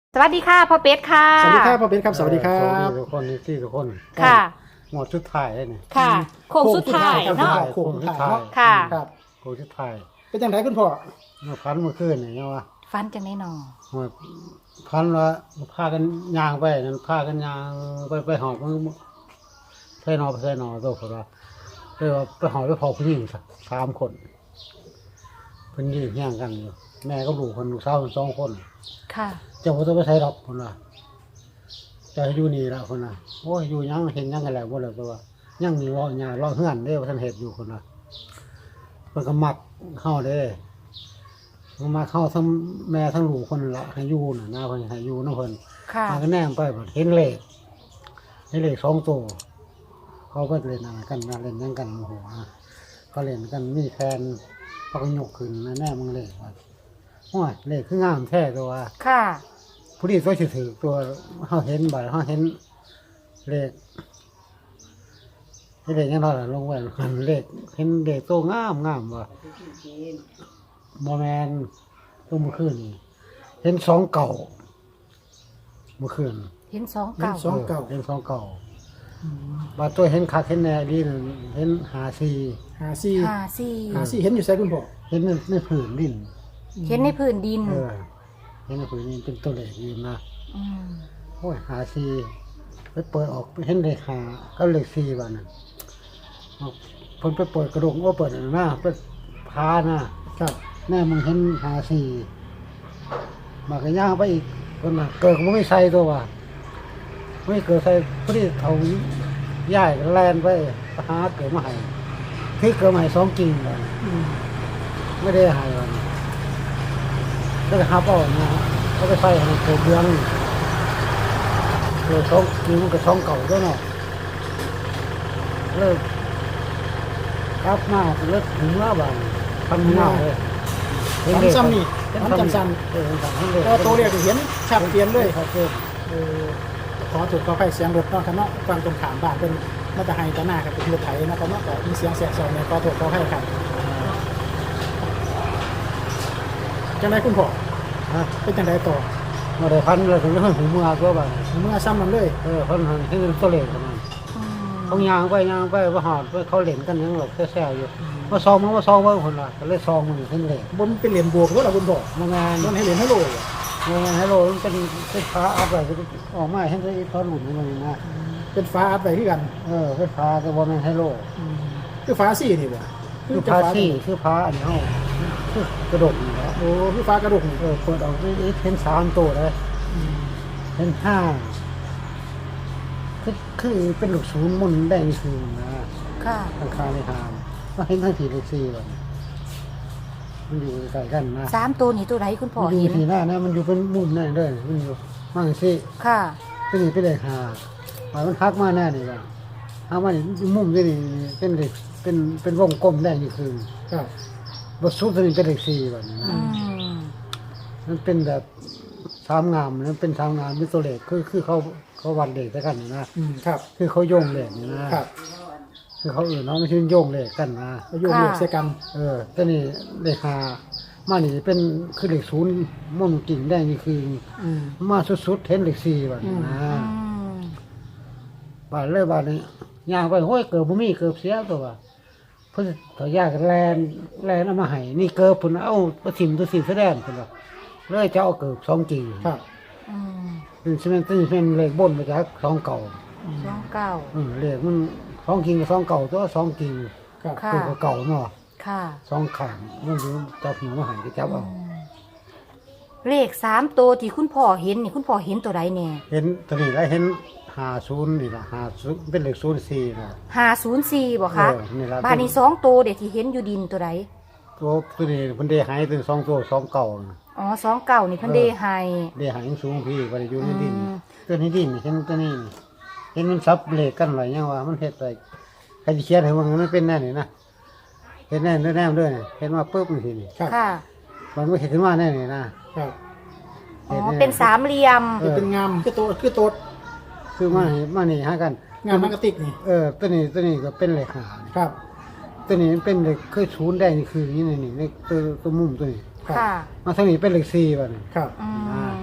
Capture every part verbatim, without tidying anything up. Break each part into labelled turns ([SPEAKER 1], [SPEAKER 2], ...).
[SPEAKER 1] สวัสดีค่ะพ่อเป็ดค่ะ
[SPEAKER 2] สวัสดีครับพ่อเป็นครับสวัสดีครับ
[SPEAKER 3] ทุกคนนี่ที่ทุกคน
[SPEAKER 1] ค่ะ
[SPEAKER 3] หมดชุดถ่ายเลยนี่
[SPEAKER 1] ค่ะโค้งสุดท้าย
[SPEAKER 2] โค้งสุด
[SPEAKER 1] เนาะ
[SPEAKER 2] ท้าย โค้งสุดท้าย
[SPEAKER 1] ค่ะ
[SPEAKER 2] ครับ
[SPEAKER 3] โอ้ชุดถ่าย
[SPEAKER 2] เป็นจังไดคุณพ่อ
[SPEAKER 3] เมื่อพันเมื่อคืนนี่เนาะว่า
[SPEAKER 1] ฟันจังได้หนอ
[SPEAKER 3] เมื่อพันว่าพากันยางไปนั่นพากันยางไปไปหอบมันใส่นอไปใส่นอตัวคนว่าเลยว่าไปหอบไปพอผู้หญิงสามคนเพิ่นยืนย่างกันอยู่แม่ก็ลูกคนลูกสาวคนสองคน
[SPEAKER 1] ค่ะ
[SPEAKER 3] เจ้าบ่ต้องไปใช้ดอกคนว่าเจะอยู่นี่ละคนน่ะโอ้ยอยู่ยังเห็นยังกันแล้วบ่แล้วตัวยังมีรอหญ้ารอเฮือนเด้ว่าท่านเฮ็ดอยู่คนน่ะเพิ่นก็มักเข้าเด้มันมาเข้าทั้งแม่ทั้งลูกคนนั่นละให้อยู่น่ะนะเพิ่นให้อยู่นำเพิ่น
[SPEAKER 1] ค่ะ
[SPEAKER 3] มาก็แนมไปบัดเห็นเลขเห็นเลขสองตัวเขาก็เล่นอะไรกันนะเล่นยังกันโอ้โหก็เล่นกันมีแฟนเขาก็ยกขึ้นนะแน่มึงเลขว่าโอ้ยเลขคืองามแท้ตัวว่า
[SPEAKER 1] ค่ะ
[SPEAKER 3] ผู้ที่ตัวถือตัวเขาเห็นบ่อยเขาเห็นเลขเห็นเลขยังไงล่ะลงไว้หันเลขเห็นเลขตัวงามงามว่ะโมแมนตัวเมื่อคืนนี่เห็นสองเก่าเมื่อคืน
[SPEAKER 1] เห็นสอง
[SPEAKER 2] เห็น
[SPEAKER 1] เก่า
[SPEAKER 2] สองเก่า
[SPEAKER 3] เห็นสองเก่าบาตัวเห็นคักเห็นแน่ดีนั่นเห็นหาซี
[SPEAKER 2] หาซี่
[SPEAKER 1] ห้าสี่
[SPEAKER 2] หาซี่เห็นอยู่ไสคุณพ่อ
[SPEAKER 3] เห็นในในผืนดิน
[SPEAKER 1] เห็นในพื้นดิน
[SPEAKER 3] เออเห็นในผืนดินเป็นตัวเลขอยู่นะ
[SPEAKER 1] อืม
[SPEAKER 3] โอ้ยหาซีไปเปิดออกเห็นเลขหาก็เลขซีบ้านนั้นเอาเพิ่นไปเปิดกระดงโอ้เปิดอันนั้นนะเปิดพานะครับ แน่มึงเห็นหาซีมากระย่างไปอีกคนน่ะเกิดก็ไม่ใส่ตัวว่ะไม่เกิดใส่พอดีเขาย่ายแลนไปหาเกิดมาให้ที่เกิดมาให้สองกิ่งเลย
[SPEAKER 2] อืม
[SPEAKER 3] ไม่ได้ให้วันก็จะหาเป้านะเขาไปใส่ให้เกิดเดือนเลยสองกิ่งมันก็สองเก่าด้วยเนาะเลิกกลับมาเลิกถึงเมื่อวันทำเมื่อเลย
[SPEAKER 2] ทำซ้ำนี่
[SPEAKER 3] เห็น
[SPEAKER 2] ทำจำซ้
[SPEAKER 3] เออเห็นซ้ำเห็นเลย
[SPEAKER 2] ำพอตัวเรียกเห็นชัดเจนเลย
[SPEAKER 3] เขาเพิ่ม
[SPEAKER 2] เออขอถูกขอไปเสียงรถเนาะครับเนาะฟังตรงขามบ้านเป็นมาตะไฮตะหน้าครับเป็นรถไถนะครับเนาะแต่มีเสียงแสบซอยเนี่ยขอถูกขอให้ครับจังไดคุณพ่อ
[SPEAKER 3] ฮะ
[SPEAKER 2] เป็นจังไดต่อ
[SPEAKER 3] มาได้พันเลยถึงเรื่องหูเมื่อก็แบบ
[SPEAKER 2] เมื่อซ้ำมันเลย
[SPEAKER 3] เออพันหันให้เป็นตัวเลขประมาณ
[SPEAKER 1] อืม
[SPEAKER 3] เขายางไปยางไปว่าหอดไปเขาเล่นกันยังหลบแซ่ๆอยู่มาซองมันมาซองไว้คนละก็เลยซองมันเส้นเลข
[SPEAKER 2] บนเป็นเหรียญบวกหรือเปล่าคุณพ่อ
[SPEAKER 3] มางาน
[SPEAKER 2] บนให้เหรียญให้โลย
[SPEAKER 3] มางานฮัลโหลมันเป็นไฟฟ้าอัพอะไรออกมาให้ได้ตอนหลุดมันนะ
[SPEAKER 2] เป็นฟ้าอัพไปที่กัน
[SPEAKER 3] เออไฟฟ้าแต่ว่ามันฮัลโหล
[SPEAKER 2] คือฟ้าซี่นี่บ่
[SPEAKER 3] คือพาซี่คือพาอันนี้เขาคือกระดกนี่แหละ
[SPEAKER 2] โอ้คือฟ้ากระดูกนี่
[SPEAKER 3] เออเปิดออกนี่เห็นสามตัวเลยเห็นห้าคือคือเป็นลูกศูนย์มุนแดงคือนะ
[SPEAKER 1] ค่ะ
[SPEAKER 3] ข้างคาในหามก็เห็นทั้งสี่เลขสี่เลยมันอยู่ใกล้กันนะ
[SPEAKER 1] สามตัวนี่ตัวไหนคุณพ่อ
[SPEAKER 3] มันอยู่
[SPEAKER 1] เห็น
[SPEAKER 3] ที่หน้านะมันอยู่เป็นมุมนั่นเลยมันอยู่มั่งสิ
[SPEAKER 1] ค่ะ
[SPEAKER 3] เป็นนี่เป็นเลขห้าหมายมันทักมาแน่นี่ว่าทักมานี่มุมนี่นี่เป็นเลขเป็นเป็นวงกลมแดงนี่คือ
[SPEAKER 2] ครับ
[SPEAKER 3] บทสุดตัวนี้เป็นเลขสี่แบบนี้
[SPEAKER 1] อื
[SPEAKER 3] นะ
[SPEAKER 1] ม
[SPEAKER 3] มันเป็นแบบสามงามมันเป็นสามงามมีตัวเลขคือคือเขาเขาวัดเลขด้วยกันนี่นะ
[SPEAKER 2] อืมครับ
[SPEAKER 3] คือเขาโยงเลขนี่นะครับ คือเขาอื่นเนาะไม่ใช่โยงเลขกันนะ
[SPEAKER 2] อายุเรียกใส่กัน
[SPEAKER 3] เออแต่นี่เลขห้ามานี่เป็นคือเลขศูนย์ม่วนกิ่งแดงนี่คือ
[SPEAKER 2] อืม
[SPEAKER 3] มาสุดๆเห็นเลขสี่แบบนี้นะ
[SPEAKER 1] อืม
[SPEAKER 3] บาดเลยบาดนี้ย่างไปห้อยเกิดบ่มีเกิดเสียตัวว่าเพิ่นถอยยากแลนแลนเอามาให้นี่เกิดเพิ่นเอาประทิมตัวสีแสดงเพิ่นว่าเลยจะเอาเกิดสองกิ่ง
[SPEAKER 2] ครับ
[SPEAKER 1] อืม
[SPEAKER 3] เป็นซีเมนต์เป็นเป็นเลขบนมาจากสองเก่า
[SPEAKER 1] สองเก้า
[SPEAKER 3] อืมเลขมันสองกิ่งกับสองเก่าตัวสองกิ่ง
[SPEAKER 2] ครับ
[SPEAKER 1] ค่ะ
[SPEAKER 3] คือเก่าเนาะ
[SPEAKER 1] ค่ะ
[SPEAKER 3] สองข้างมันอยู่จับหิวมาให้ก็จับเอา
[SPEAKER 1] อืมเลขสามตัวที่คุณพ่อเห็นนี่คุณพ่อเห็นตัวใดเนี่ย
[SPEAKER 3] เห็นตัวนี้แล้วเห็นห้าศูนย์นี่ล่ะห้าศูนย์เป็นเลขศูนย์สี่นะ
[SPEAKER 1] ห้าศูนย์สี่บ่คะ
[SPEAKER 3] เออนี่ล่ะ
[SPEAKER 1] บ้านนี้สองตัวเด็กที่เห็นอยู่ดินตัวใด
[SPEAKER 3] ตัวตัวนี้เพิ่นได้หายถึงสองตัวสองเก่าน่ะ
[SPEAKER 1] อ๋อสองเก่านี่เพิ่นเดให้
[SPEAKER 3] ได้หายสูงพี่บ่ได้อยู่ในดิน
[SPEAKER 1] อืม
[SPEAKER 3] ตัวนี้ดินเห็นตัวนี้นี่เห็นมันซับเลขกันหลายอย่างว่ามันเฮ็ดไปใครสิเขียนให้ว่ามันเป็นแน่นี่นะเห็นแน่แน่ด้วยนี่เห็นมาปุ๊บนี่ทีนี่
[SPEAKER 2] ครับ
[SPEAKER 1] ค่ะ
[SPEAKER 3] มันไม่เห็นขึ้นมาแน่นี่นะครับ
[SPEAKER 1] อ๋อเป็นสามเหลี่ยม
[SPEAKER 3] เออ
[SPEAKER 2] เป็นงามคือตัวคือตัว
[SPEAKER 3] คือมานี่มานี่หากัน
[SPEAKER 2] งามมันกระติกนี่
[SPEAKER 3] เออตัวนี้ตัวนี้ก็เป็นเลขหา
[SPEAKER 2] ครับ
[SPEAKER 3] ตัวนี้เป็นเลขเคยศูนย์ได้นี่คืออย่างนี้นี่นี่เลขตัวตัวมุมตัวนี้
[SPEAKER 2] ครับ
[SPEAKER 1] ค่ะ
[SPEAKER 3] มาทางนี้เป็นเลขสี่บัดนี้
[SPEAKER 2] ครับ
[SPEAKER 1] อืม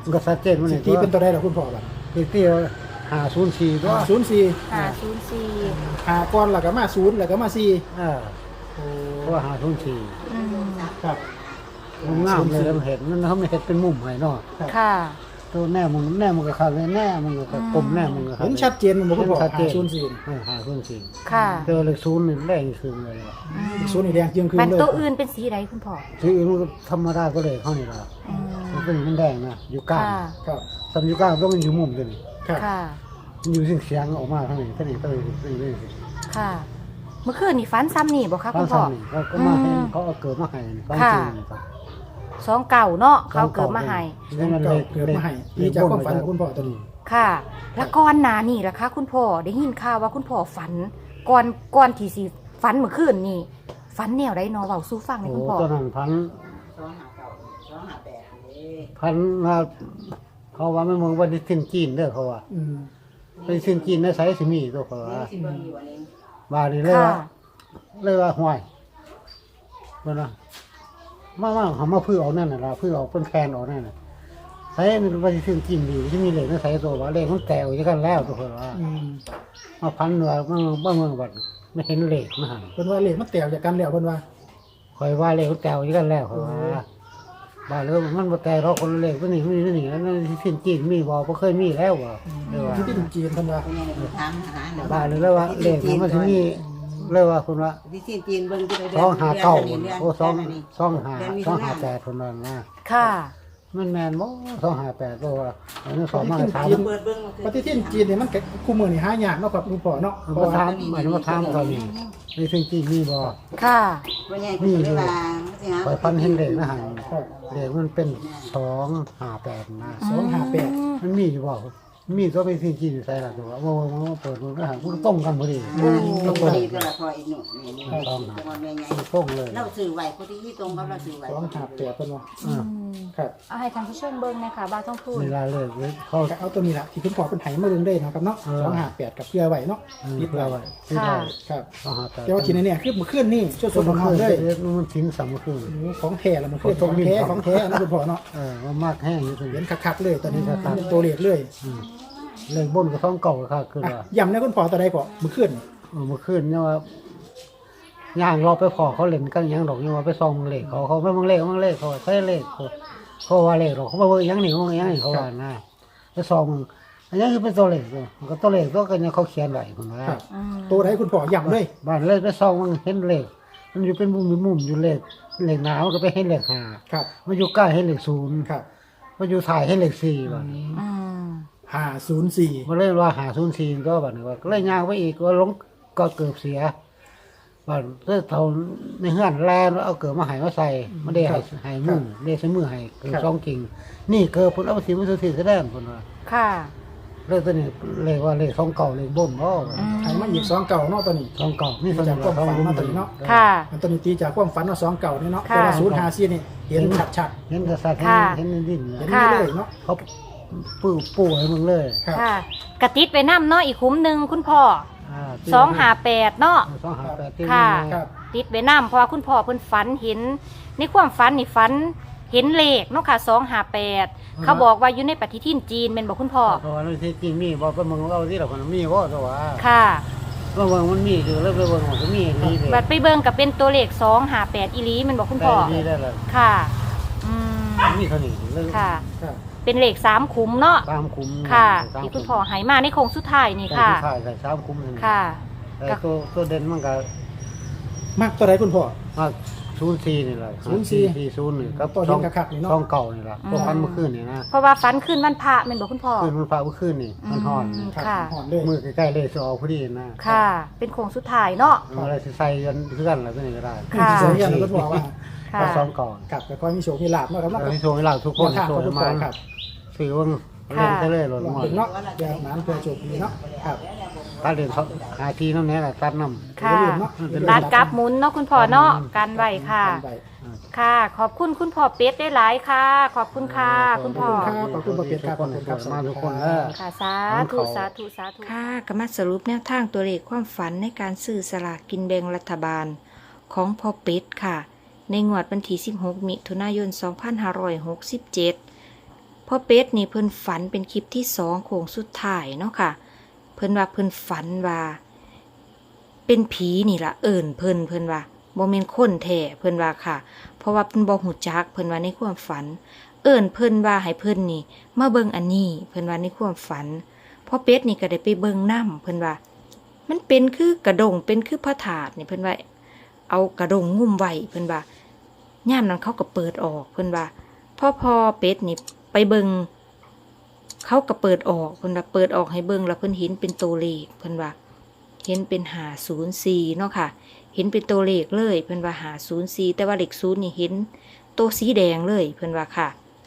[SPEAKER 3] มันก็ชัดเจนมัน
[SPEAKER 2] สิ
[SPEAKER 3] นี่
[SPEAKER 2] ตีเป็นตัวใดล่ะคุณพ่อบัด
[SPEAKER 3] ตีตีหาศูนย์สี่ตัว
[SPEAKER 2] ศูนย์สี่
[SPEAKER 1] ห้าศูนย์สี่
[SPEAKER 2] หาก้อนแล้วก็มาศูนย์แล้วก็มาสี่
[SPEAKER 3] เออ
[SPEAKER 2] โอ้
[SPEAKER 3] เพราะว่าหาศูนย์สี่
[SPEAKER 1] อืม
[SPEAKER 2] ครับ
[SPEAKER 3] มันงามเลยแล้วมันเห็นมันเขาไม่เห็นเป็นมุมให้เนาะ
[SPEAKER 1] ค่ะ
[SPEAKER 3] ตัวแน่มึงแน่มึงก็ขาดเลยแน่มึงก็กลมแน่มึงก็ขาด
[SPEAKER 2] เห็นชัดเจนมันบ่คุณพ่อ
[SPEAKER 3] ชัดเจ
[SPEAKER 2] หาน ศูนย์สี่
[SPEAKER 3] เออหาศูนย์สี่
[SPEAKER 1] ค่ะ
[SPEAKER 3] เจอเลขศูนย์นี่แรงคืนเลยว่ะ
[SPEAKER 1] อืม
[SPEAKER 2] ศูนย์นี่แดงเจียงคืน
[SPEAKER 1] มัน
[SPEAKER 2] เลย
[SPEAKER 1] ตัวอื่นเป็นสีใดคุณพ่อ
[SPEAKER 3] ที่อื่นมันก็ธรรมดาก็เลยเข้านี่ละ
[SPEAKER 1] อืม
[SPEAKER 3] มันเป็นมันแดงนะอยู่กลาง
[SPEAKER 1] ค่ะ
[SPEAKER 2] ครับ
[SPEAKER 3] สำอยู่กลางต้องมันอยู่มุมตัวนี้
[SPEAKER 2] ครับ
[SPEAKER 1] ค่ะ
[SPEAKER 3] มันอยู่เสียงเสียงออกมาทั้งนี้ทั้งนี้ทั้งนี้ทั้งนี้
[SPEAKER 1] ค่ะ เมื่อคืนนี่ฝันซ้ำนี่บอกค่ะ
[SPEAKER 3] ทั้
[SPEAKER 1] คุ
[SPEAKER 3] ง
[SPEAKER 1] ณพ่อ
[SPEAKER 3] ซ้ำนี่เขาก็มาให้
[SPEAKER 1] อืม
[SPEAKER 3] เขาเอาเกิดมาให้นี่เขา
[SPEAKER 1] ค่ะ
[SPEAKER 3] จริงนี่ครับ
[SPEAKER 1] สองเก่าเนาะเขาเกิดมาให้
[SPEAKER 3] นี่มันเลข
[SPEAKER 2] เกิดมาให้นี่จากความฝันของคุณพ่อตัวนี้
[SPEAKER 1] ค่ะ แล้วก่อนหน้านี่ล่ะคะคุณพ่อได้ยินข่าวว่าคุณพ่อฝัน ก่อนก่อนที่สิฝันเมื่อคืนนี่ฝันแนวใดเนาะเว้าสู่ฟังหน่อย
[SPEAKER 3] โอ้
[SPEAKER 1] คุณพ่อ
[SPEAKER 3] ตอนนั้นพัน
[SPEAKER 4] สองหาเก่าสองหาแปดนี่
[SPEAKER 3] พันมาเขาว่าไม่มองว่าดิสินจีนเด้อเขาว่า
[SPEAKER 2] อืม
[SPEAKER 3] ไปดิสินจีนในไซส์สิมีตัวเขาว่า
[SPEAKER 4] สิบเบิ้งอยู่อันนี้
[SPEAKER 3] บาดนีเลย
[SPEAKER 1] ค่ะ
[SPEAKER 3] ว่าเลยว่าห่วยมันนะมามาเขามาพื้อเอานั่นน่ะล่ะพื้อเอาเป็นแคนเอานั่นน่ะไซส์มันว่าดิสินจีนดีที่มีเหล็กในไซส์ตัวว่าเหล็กมันแตกอยู่กันแล้วตัวเขาว่า
[SPEAKER 2] อืม
[SPEAKER 3] มาพันเนื้อมาบ้าเมืองบัดไม่เห็นเหล็กมาหัน
[SPEAKER 2] เพิ่นว่าเลขมันแตกจากกันแล้วเพิ่นว่า
[SPEAKER 3] คอยว่าเหล็กมันแตกอยู่กันแล้วเขาว่าบาดเลยมันมาแตกเราคนละเหล็กตัวนี้มันนี่นี่นั่นดิสินจีนมีบ่บ่เคยมีแล้วว่ะเลยว่า
[SPEAKER 2] ที่ดินจีนเพิ่นว่า
[SPEAKER 4] เป็นยังไงถามหาหน่อย
[SPEAKER 3] บ้านเลยแล้วว่าเลขมันจะมีเลยว่าคุณว่า
[SPEAKER 4] ที่จีนจีนเบิ้งที่ไปเดื
[SPEAKER 3] สองหาเก้า
[SPEAKER 4] ดือนนี้
[SPEAKER 3] โอ้สอง
[SPEAKER 4] เดืนนี้
[SPEAKER 3] สองหา
[SPEAKER 4] เดืนมิ
[SPEAKER 3] ส
[SPEAKER 4] ถุ
[SPEAKER 3] อง
[SPEAKER 4] น
[SPEAKER 3] หาแปดคนนั้นนะ
[SPEAKER 1] ค่ะ
[SPEAKER 3] มันแมนบ่สองหาแปดตัวว่าอันนี้สองมาถาม
[SPEAKER 4] เปิดเบิ้ง
[SPEAKER 2] ปฏิทินจีนนี่มันก็คู่มือนี่หายากเนาะครับคุณพ่อเนาะเพราะ
[SPEAKER 3] มา
[SPEAKER 2] ว่า
[SPEAKER 3] ถามอันนี้มาถามเขานี่ในสิ่งที่มีบ่
[SPEAKER 1] ค่ะ
[SPEAKER 4] ว่าไงเป็นเวลาสิฮะ
[SPEAKER 3] คอยพันเห็นเลขนะฮะ
[SPEAKER 2] ครับ
[SPEAKER 3] เลขมันเป็นสองหาแปดนะ
[SPEAKER 2] สองห้าแปด
[SPEAKER 3] มันมีอยู่บ่มีตัวเป็นสิ่งที่อยู่ใส่ละตัวว่าว่าว่าเปิดมันนะฮะมันตรงกันพอดี
[SPEAKER 4] ตรงพอดีก็ละพออีกหนุ่มนี่นี่
[SPEAKER 3] สองหา
[SPEAKER 4] จังหวัดแม่ใหญ่
[SPEAKER 3] ตรงเลย
[SPEAKER 4] เราสื่อไหวพอดีตรงกับเราสื่อไหว
[SPEAKER 2] สองห้าแปดเพิ่นว่า
[SPEAKER 3] อ่า
[SPEAKER 2] ครับ
[SPEAKER 1] เอาให้ท่านผู้ชมเบิ่งนะคะบ้าต้องพูด
[SPEAKER 3] เวลาเลยเขา
[SPEAKER 2] ก็เอาตัวนี้ล่ะที่คุณพ่อเพิ่นให้มาเบิ่งได้เนาะครับเนาะ
[SPEAKER 3] เออ
[SPEAKER 2] สองห้าแปดกับเพื่อไว้เนาะ
[SPEAKER 3] ติ
[SPEAKER 2] ติ
[SPEAKER 3] ด
[SPEAKER 2] ด
[SPEAKER 3] เรา
[SPEAKER 2] ไว้
[SPEAKER 3] ไว้ติดเรา
[SPEAKER 2] ครับ
[SPEAKER 3] สองหาแปด
[SPEAKER 2] แต่ว่าทีนี้เนี่ยคือเมื่อคืนนี่ช่วยส
[SPEAKER 3] ส่ว
[SPEAKER 2] ด
[SPEAKER 3] น
[SPEAKER 2] ร้อนๆเลย
[SPEAKER 3] มันทิ้งสามคืน
[SPEAKER 2] โอ้โหของแท้ละมันคือของแท้ของแท้นะคุณพ่อเนาะ
[SPEAKER 3] เออว่ามากแห้งอยู่ตรง
[SPEAKER 2] เห็
[SPEAKER 3] นี้
[SPEAKER 2] นคักๆเลยตอนนี้เป็นตัวเลขเลย
[SPEAKER 3] เรื่องบนก็ต้องเก่าค่ะคือ
[SPEAKER 2] อ่ะ
[SPEAKER 3] ว่า
[SPEAKER 2] ย้ำนะคุณพ่อตัวใดก่อนเมื่อคืน
[SPEAKER 3] เออเมื่อคืนเนี่ยว่าย่างรอไปขอเขาเล่นกันยังดอกยังว่าไปซองมึงเลขเขาเขาไม่มึงเลขมึงเลขเขาใช่เลขเขาเขาว่าเลขหรอกเขาบอกว่ายังหนิมึงยังหนิเขาว่านะไปซองมึงอันนี้คือเป็นตัวเลขเลยมันก็ตัวเลขตัวกันยังเขาเขียนไว้คนว่า
[SPEAKER 2] ครับ
[SPEAKER 1] อืม
[SPEAKER 2] ตัวใดคุณพ่อย้ำเลย
[SPEAKER 3] บ้านเลยไปซองมึงเห็นเลขมันอยู่เป็นมุมมุมอยู่เลขเลขหนาวก็ไปเห็นเลขห้า
[SPEAKER 2] ครับ
[SPEAKER 3] มันอยู่ใกล้เห็นเลขศูนย์
[SPEAKER 2] ครับ
[SPEAKER 3] มันอยู่ถ่ายเห็นเลขสี่บ้าน
[SPEAKER 1] อืม
[SPEAKER 2] ห้าศูนย์สี่
[SPEAKER 3] มาเลยว่าหาศูนย์สี่ก็แบบนี้ว่าก็เลยย่างไปอีกก็ลงก็เกือบเสียบ้านเพื่อเท่าในเฮือนแลนเอาเกือบมาใหายมาใส่ไม่ได้ใหายหายมือได้ใช้มือใหายเกือบสองกิ่งนี่เกือบผลเอาไปสีมันสุดที่แสดงผลว่า
[SPEAKER 1] ค่ะ
[SPEAKER 3] เลยตัวนี้เลยว่าเลยสองเก่าเลยบ่มบ่
[SPEAKER 1] อืม
[SPEAKER 2] ให้มาอีกสองเก่าเนาะตัวนี้
[SPEAKER 3] สองเก่านี่สอง
[SPEAKER 2] จากความ
[SPEAKER 3] เก่า
[SPEAKER 2] ฝันมาตัวนี้เนาะ
[SPEAKER 1] ค่ะ
[SPEAKER 2] อันตัวนี้ตีจากความฝันเนาะสองเก่านี่เนาะ
[SPEAKER 1] ค่ะ
[SPEAKER 2] แต่ว่าศูนย์ห้าสี่นี่เห็นชัด
[SPEAKER 3] เห็นกระสัด
[SPEAKER 1] ค่ะ
[SPEAKER 3] เห็นเห็นดิน
[SPEAKER 2] ๆเห็น
[SPEAKER 1] ค่ะ
[SPEAKER 2] เลยเนาะ
[SPEAKER 3] เขาปูปูให้มึงเลย
[SPEAKER 2] ครับ
[SPEAKER 1] ค่ะ กระติดไปน้ำเนาะอีกคุ้มหนึ่งคุณพ่อ
[SPEAKER 3] อ่า
[SPEAKER 1] สองหาแปดเนาะ
[SPEAKER 3] สองหาแปดที่
[SPEAKER 1] ค่ะ
[SPEAKER 3] นี่
[SPEAKER 2] ครับ
[SPEAKER 1] ติดไปน้ำเพราะว่าคุณพ่อเพิ่นฝันเห็น ในความฝันนี่ฝันเห็นเลขเนาะค่ะสองหาแปดเขาบอกว่าอยู่ในปฏิทินจีนเป็นบอกคุณพ่อ
[SPEAKER 3] เพราะว่าในที่จริงมีบอกว่ามึงเอาที่เราคนมีว่าตัวว่า
[SPEAKER 1] ค่ะ
[SPEAKER 3] ว่ามึงมันมีอยู่แล้วเบิ่งมันก็มีอย่างนี้เลย
[SPEAKER 1] บัดไปเบิ่งกับเป็นตัวเลขสองหาแปดอีหลีแมันบอกคุณพ่อ
[SPEAKER 3] ได้ได้เลย
[SPEAKER 1] ค่ะ อืม
[SPEAKER 3] มีเท่านี้เลย
[SPEAKER 1] ค่ะ
[SPEAKER 2] ครับ
[SPEAKER 1] เป็นเลขสามขุมเนาะ
[SPEAKER 3] ตามคุ้ม
[SPEAKER 1] ค่ะ ที่คุณพ่อใหายมาในโค้งสุดท้ายนี่
[SPEAKER 3] ค่ะ
[SPEAKER 1] ค่ะ
[SPEAKER 3] ใช่ใส่สามคุ้ม
[SPEAKER 1] ค่ะ
[SPEAKER 3] แต่ตัวตัวเด่นมันก็
[SPEAKER 2] มากตัวใดคุณพ่อ
[SPEAKER 3] มาศูนย์สี่นี่แหละ
[SPEAKER 2] ศูนย์สี่
[SPEAKER 3] สี่ศูนย์นี่ครับ
[SPEAKER 2] ตัวเด่นคักๆนี่เนาะ
[SPEAKER 3] ช่องเก่านี่แหละ
[SPEAKER 1] อืม
[SPEAKER 3] ตัวพันเมื่อคืนนี่นะ
[SPEAKER 1] เพราะว่าฝันขึ้นวันพระแมันบอกคุณพ่อ
[SPEAKER 3] คืนมันฟ้าเมื่อคืนนี่มันห่อน
[SPEAKER 1] อืม
[SPEAKER 2] ครับ
[SPEAKER 1] ค่ะ
[SPEAKER 2] หอนเลย
[SPEAKER 3] มือใกล้ๆเลยจะออกพอดีนะ
[SPEAKER 1] ค่ะ เป็นโค้งสุดท้ายเนาะ
[SPEAKER 3] อะไรสิใส่กันเพื่อนอะไรก็นี่ก็ได้
[SPEAKER 1] ค่ะ
[SPEAKER 2] เสียงยันแล้วก็บอกว่า
[SPEAKER 1] ค่ะ
[SPEAKER 3] ก็สองก่อน
[SPEAKER 2] ครับแต่ก็มีโชคมีลาบเนาะครับเนาะ
[SPEAKER 3] แล้วที่โชว์ให้เราทุกคน
[SPEAKER 2] แนวทาง
[SPEAKER 3] โช
[SPEAKER 2] ของ
[SPEAKER 3] ว์
[SPEAKER 2] คุณ
[SPEAKER 3] มา
[SPEAKER 2] พ่อครับ
[SPEAKER 3] สื่อว่าเล่นก็เลยหล่น
[SPEAKER 2] ลอง
[SPEAKER 3] หมด
[SPEAKER 2] ถึงเนาะเดี๋ยวน้ำเพื่อโชคดีเนาะครับ
[SPEAKER 3] ถ้าเล่นเขาหาทีน้ำแน่แหละตัดน้ำ
[SPEAKER 1] ค่ะ
[SPEAKER 2] อย่าลืมเนาะ
[SPEAKER 1] ร้านกราฟหมุนเนาะคุณพ่อเนาะกันไว้ค่ะ
[SPEAKER 2] กันไว้
[SPEAKER 1] ค่ะ ขอบคุณคุณพ่อเป็ดได้หลายค่ะ ขอบคุณค่ะ คุณพ่อ
[SPEAKER 2] ขอบคุณครับขอบคุณประเภทครับขอบคุณครับ
[SPEAKER 3] มาทุกคนเออ
[SPEAKER 1] ค่ะ สาธุ สาธุ สาธุ
[SPEAKER 5] ค่ะก็มาสรุปแนวทางตัวเลขความฝันในการซื้อสลากกินแบ่งรัฐบาลของพ่อเป็ดค่ะ ในงวดวันที่สิบหกมิถุนายนสองพันห้าร้อยหกสิบเจ็ดพ่อพ่อเป็ดนี่เพิ่นฝันเป็นคลิปที่สองโค้งสุดท้ายเนาะค่ะเพิ่นว่าเพิ่นฝันว่าเป็นผีนี่ล่ะเอิ่นเพิ่นเพิ่นว่าบ่แม่นคนแท้เพิ่นว่าค่ะเพราะว่าเพิ่นบ่ฮู้จักเพิ่นว่าในความฝันเอิ่นเพิ่นว่าให้เพิ่นนี่มาเบิ่งอันนี้เพิ่นว่าในความฝันพ่อเป็ดนี่ก็ได้ไปเบิ่งนำเพิ่นว่ามันเป็นคือกระดงเป็นคือพระธาตุนี่เพิ่นว่าเอากระดงงุ่มไว้เพิ่นว่ายามนั้นเขาก็เปิดออกเพิ่นว่าพ่อพอเป็ดนี่ไปเบิ่งเขาก็เปิดออกเพิ่นว่าเปิดออกให้เบิ่งแล้วเพิ่นเห็นเป็นตัวเลขเพิ่นว่าเห็นเป็นห้าศูนย์สี่เนาะค่ะเห็นเป็นตัวเลขเลยเพิ่นว่าห้าศูนย์สี่แต่ว่าเลขศูนย์นี่เห็นตัวสีแดงเลยเพิ่นว่าค่ะ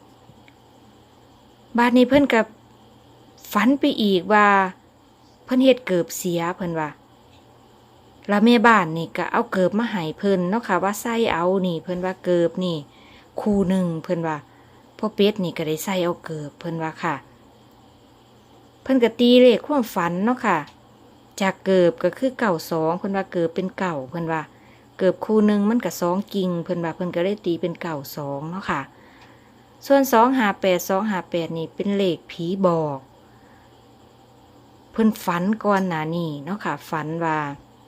[SPEAKER 5] บาดนี้เพิ่นก็ฝันไปอีกว่าเพิ่นเฮ็ดเกิบเสียเพิ่นว่าแล้วแม่บ้านนี่ก็เอาเกิบมาให้เพิ่นเนาะค่ะว่าใส่เอานี่เพิ่นว่าเกิบนี่คู่หนึ่งเพิ่นว่าพ่อเป็ดนี่ก็ได้ใส่เอาเกิบเพิ่นว่าค่ะเพิ่นก็ตีเลขความฝันเนาะค่ะจากเกิบก็คือเก่าสองเพิ่นว่าเกิบเป็นเก่าเพิ่นว่าเกิบคู่หนึ่งมันก็สองกิ่งเพิ่นว่าเพิ่นก็ได้ตีเป็นเก่าสองเนาะค่ะส่วนสองห้าแปดสองห้าแปดนี่เป็นเลขผีบอกเพิ่นฝันก่อนหน้านี้เนาะค่ะฝันว่า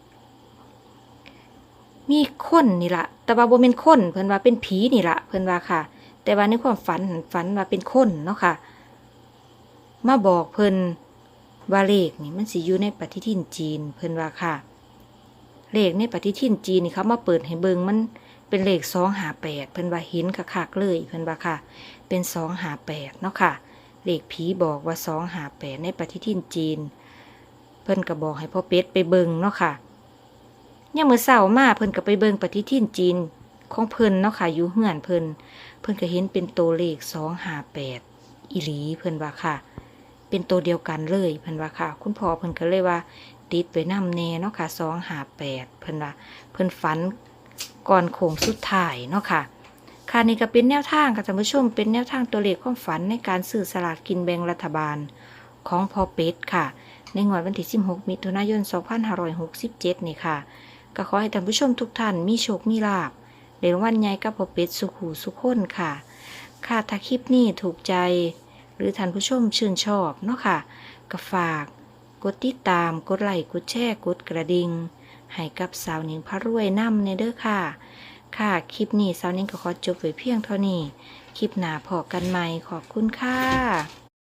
[SPEAKER 5] มีคนนี่ละแต่ว่าบ่เป็นคนเพิ่นว่าเป็นผีนี่ละเพิ่นว่าค่ะแต่ว่าในความฝันฝันว่าเป็นคนเนาะค่ะมาบอกเพิ่นว่าเลขนี่มันสิอยู่ในปฏิทินจีนเพิ่นว่าค่ะเลขในปฏิทินจีนนี่เขามาเปิดให้เบิ่งมันเป็นเลขสองห้าแปดเพิ่นว่าเห็นคักๆเลยเพิ่นว่าค่ะเป็นสองห้าแปดเนาะค่ะเลขผีบอกว่าสองห้าแปดในปฏิทินจีนเพิ่นก็บอกให้พ่อเป็ดไปเบิ่งเนาะค่ะยามมื้อเช้ามาเพิ่นก็ไปเบิ่งปฏิทินจีนของเพิ่นเนาะค่ะอยู่เฮือนเพิ่นเพิ่นก็เห็นเป็นตัวเลขสองห้าแปดอีหลีเพิ่นว่าค่ะเป็นตัวเดียวกันเลยเพิ่นว่าค่ะคุณพ่อเพิ่นก็เลยว่าติดไว้นำแน่เนาะค่ะสองห้าแปดเพิ่นว่าเพิ่นฝันก่อนโค้งสุดท้ายเนาะค่ะค่ะนี่ก็เป็นแนวทางค่ะท่านผู้ชมเป็นแนวทางตัวเลขความฝันในการซื้อสลากกินแบ่งรัฐบาลของพ่อเป็ดค่ะในงวดวันที่สิบหกมิถุนายนสองพันห้าร้อยหกสิบเจ็ดนี่ค่ะก็ขอให้ท่านผู้ชมทุกท่านมีโชคมีลาภในรางวัลใหญ่กับพ่อเป็ดสุขหูสุขคนค่ะค่ะถ้าคลิปนี้ถูกใจหรือท่านผู้ชมชื่นชอบเนาะค่ะก็ฝากกดติดตามกดไลค์กดแชร์กดกระดิ่งให้กับสาวหนิงพระรวยนำในเด้อค่ะค่ะคลิปนี้สาวหนิงก็ขอจบไว้เพียงเท่านี้คลิปหน้าพอกันใหม่ขอบคุณค่ะ